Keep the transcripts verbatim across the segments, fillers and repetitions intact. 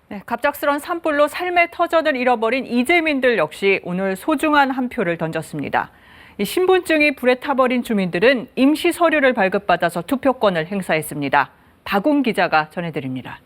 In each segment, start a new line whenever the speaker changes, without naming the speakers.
네, 갑작스런 산불로 삶의 터전을 잃어버린 이재민들 역시 오늘 소중한 한 표를 던졌습니다. 이 신분증이 불에 타버린 주민들은 임시 서류를 발급받아서 투표권을 행사했습니다. 박웅 기자가 전해드립니다.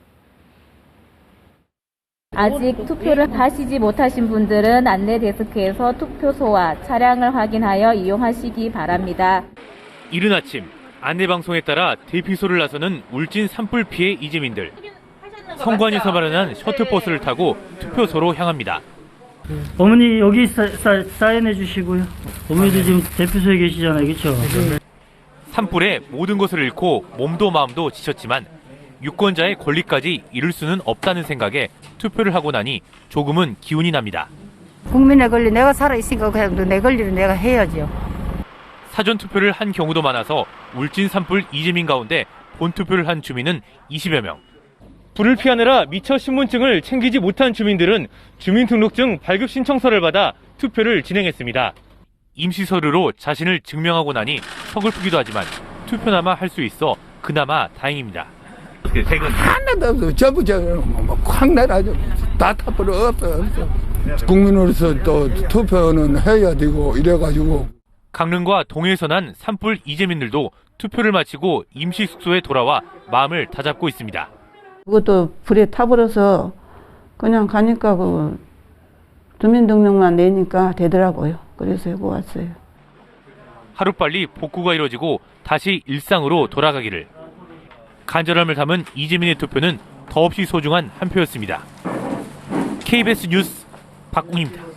아직 투표를 하시지 못하신 분들은 안내 데스크에서 투표소와 차량을 확인하여 이용하시기 바랍니다.
이른 아침 안내방송에 따라 대피소를 나서는 울진 산불 피해 이재민들. 성관에서 마련한 셔틀버스를 타고 투표소로 향합니다.
어머니 여기 사, 사, 사인해 주시고요. 어머니도 지금 대피소에 계시잖아요. 그렇죠?
산불에 모든 것을 잃고 몸도 마음도 지쳤지만 유권자의 권리까지 잃을 수는 없다는 생각에 투표를 하고 나니 조금은 기운이 납니다.
국민의 권리, 내가 살아있으니까 그냥 내 권리를 내가 해야죠.
사전투표를 한 경우도 많아서 울진 산불 이재민 가운데 본투표를 한 주민은 이십여 명. 불을 피하느라 미처 신분증을 챙기지 못한 주민들은 주민등록증 발급 신청서를 받아 투표를 진행했습니다. 임시서류로 자신을 증명하고 나니 서글프기도 하지만 투표나마 할 수 있어 그나마 다행입니다.
하나도 없어. 전부 저확 내라죠. 다 타버려 없어 없어. 국민으로서 또 투표는 해야 되고 이래가지고.
강릉과 동해에서 난 산불 이재민들도 투표를 마치고 임시 숙소에 돌아와 마음을 다잡고 있습니다.
그것도 불에 타버려서 그냥 가니까 그 주민등록만 내니까 되더라고요. 그래서 해고 왔어요.
하루빨리 복구가 이루어지고 다시 일상으로 돌아가기를. 간절함을 담은 이재민의 투표는 더없이 소중한 한 표였습니다. 케이비에스 뉴스 박웅입니다.